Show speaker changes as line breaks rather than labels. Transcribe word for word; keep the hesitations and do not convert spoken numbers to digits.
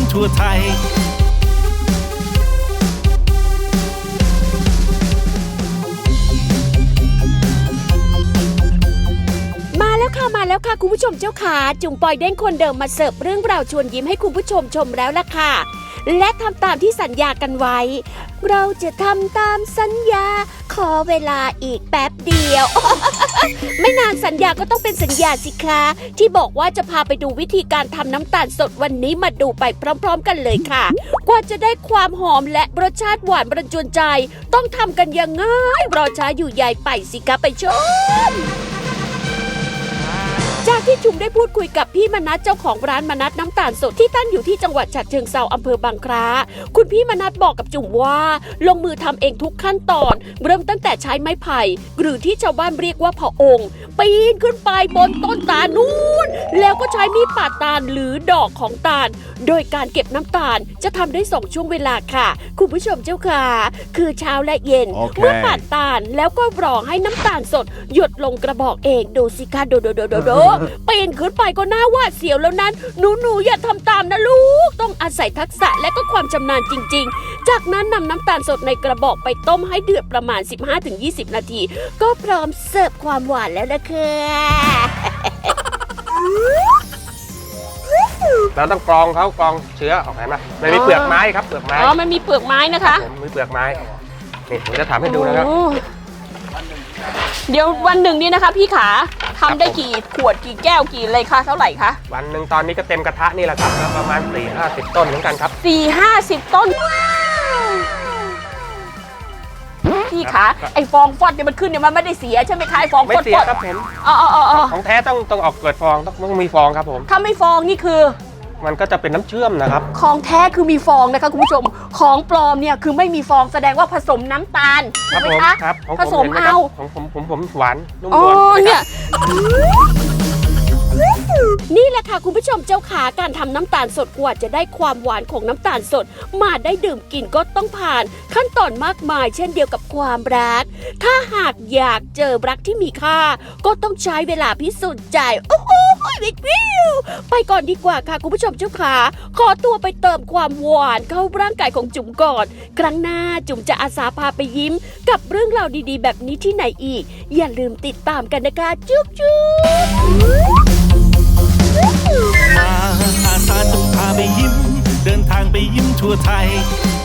ทั่วไทย
มาแล้วค่ะมาแล้วค่ะคุณผู้ชมเจ้าขาจุ๋มปอยเด้งคนเดิมมาเสิร์ฟเรื่องราวชวนยิ้มให้คุณผู้ชมชมแล้วล่ะค่ะและทำตามที่สัญญากันไว้เราจะทำตามสัญญาขอเวลาอีกแป๊บเดียว ไม่นานสัญญาก็ต้องเป็นสัญญาสิคะที่บอกว่าจะพาไปดูวิธีการทำน้ำตาลสดวันนี้มาดูไปพร้อมๆกันเลยค่ะกว่าจะได้ความหอมและรสชาติหวานประจวนใจต้องทำกันยังไงรอช้าอยู่ใหญ่ไปสิคะไปชมจากที่จุ๋มได้พูดคุยกับพี่มนัสเจ้าของร้านมนัสน้ำตาลสดที่ตั้งอยู่ที่จังหวัดฉะเชิงเทราอำเภอบางคล้าคุณพี่มนัสบอกกับจุ๋มว่าลงมือทำเองทุกขั้นตอนเริ่มตั้งแต่ใช้ไม้ไผ่หรือที่ชาวบ้านเรียกว่าผาองค์ปีนขึ้นไปบนต้นตาลนู้นแล้วก็ใช้มีดปาดตาลหรือดอกของตาลโดยการเก็บน้ำตาลจะทำได้สองช่วงเวลาค่ะคุณผู้ชมเจ้าค่ะคือเช้าและเย็น
okay.
เมื่อปาดตาลแล้วก็รอให้น้ำตาลสดหยดลงกระบอกเองดูสิคะโดโดโดโดโดปีนขึ้นไปก็น่าหวาดเสียวแล้วนั้นหนูหนูอย่าทำตามนะลูกต้องอาศัยทักษะและก็ความชำนาญจริงๆจากนั้นนำน้ำตาลสดในกระบอกไปต้มให้เดือดประมาณ สิบห้าถึงยี่สิบ นาทีก็พร้อมเสิร์ฟความหวานแล้วนะคะ
เราต้องกรองเขากรองเชื้อออกไหมนะมันมีเปลือกไม้ครับเปลือกไม้
อ๋อมันมีเปลือกไม้นะคะ
ผมมีเปลือกไม้นี่ผมจะทำให้ดูนะครับ
เดี๋ยววันหนึ่งนี้นะคะพี่ขาทำได้กี่ขวดกี่แก้วกี่เลยคะเท่าไหร่คะ
วันหนึ่งตอนนี้ก็เต็มกระทะนี่แหละครับประมาณ สี่ห้าสิบ ต้นเหมือนกันครับ
สี่ห้าสิบ ต้นพี่ขาไอฟองฟอดเนี่ยมันขึ้นเนี่ยมันไม่ได้เสียใช่ไหมคะไอฟองฟอด
ไม่เสียครับผม
อ๋ออ๋ออ๋อ
ของแท้ต้องต้องออกเกิดฟองต้องต้องมีฟองครับผม
ถ้าไม่ฟองนี่คือ
มันก็จะเป็นน้ำเชื่อมนะครับ
ของแท้คือมีฟองนะคะคุณผู้ชมของปลอมเนี่ยคือไม่มีฟองแสดงว่าผสมน้ำตาลใช่ไหมคะ
ครับ
ผสมเอา
ของผมผมผมหวานนุ่ม
นวล
เนี่
ยนี่แหละค่ะคุณผู้ชมเจ้าขาการทำน้ำตาลสดกว่าจะได้ความหวานของน้ำตาลสดมาได้ดื่มกินก็ต้องผ่านขั้นตอนมากมายเช่นเดียวกับความรักถ้าหากอยากเจอรักที่มีค่าก็ต้องใช้เวลาพิสูจน์ใจโอ้โหวิววิวไปก่อนดีกว่าค่ะคุณผู้ชมเจ้าขาขอตัวไปเติมความหวานเข้าร่างกายของจุ๋มก่อนครั้งหน้าจุ๋มจะอาสาพาไปยิ้มกับเรื่องราวดีๆแบบนี้ที่ไหนอีกอย่าลืมติดตามกันนะคะจุ๊บจุ๊บ
มาอาสาจะพาไปยิ้มเดินทางไปยิ้มทั่วไทย